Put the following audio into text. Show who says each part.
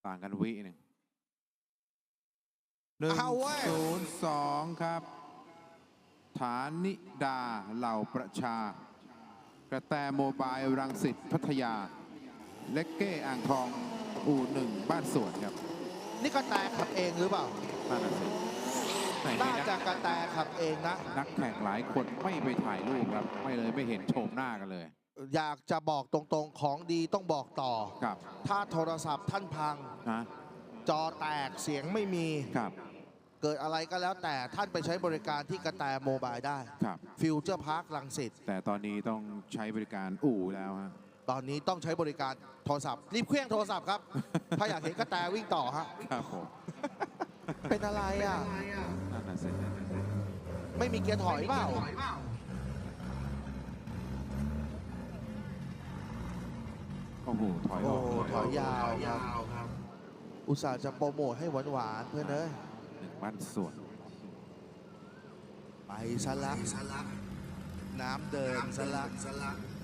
Speaker 1: ต่างกันวิหนึ่ง1-0-2ครับฐานิดาเหล่าประชากระแตโมบายรังสิตพัทยาเล็กเก้อ่างทองU1บ้านสวนครับ
Speaker 2: นี่กระแตขับเองหรือเปล่า
Speaker 1: น่าจะสิ
Speaker 2: น่าจะกระแตขับเองนะ
Speaker 1: นักแข่งหลายคนไม่ไปถ่ายรูปครับไม่เห็นโฉมหน้ากันเลย
Speaker 2: อยากจะบอกตรงๆของดีต้องบอกต่อ
Speaker 1: ครับ
Speaker 2: ถ้าโทรศัพท์ท่านพังจอแตกเสียงไม่มี
Speaker 1: ครับ
Speaker 2: เกิดอะไรก็แล้วแต่ท่านไปใช้บริการที่กระแตโมบายได้
Speaker 1: ครับ
Speaker 2: ฟิวเจอร์พาร์ครังสิต
Speaker 1: แต่ตอนนี้ต้องใช้บริการอู่แล้วฮะ
Speaker 2: ตอนนี้ต้องใช้บริการโทรศัพท์รีบเคลื่อนโทรศัพท์ครับ ถ้าอยากเห็นกระแตวิ่งต่อฮะ
Speaker 1: ครับผม
Speaker 2: เป็นอะไรอ่ะ
Speaker 1: นั่นน่ะสิ
Speaker 2: ไม่มีเกียร์ถอยเปล่า
Speaker 1: โอ้โหถอย
Speaker 2: ยาวครับอุตส่าห์จะโปรโมทให้หวานๆเพื่อนเอ้ย
Speaker 1: 1บ้านสวน
Speaker 2: ไปซะละน้ำเดินซะละ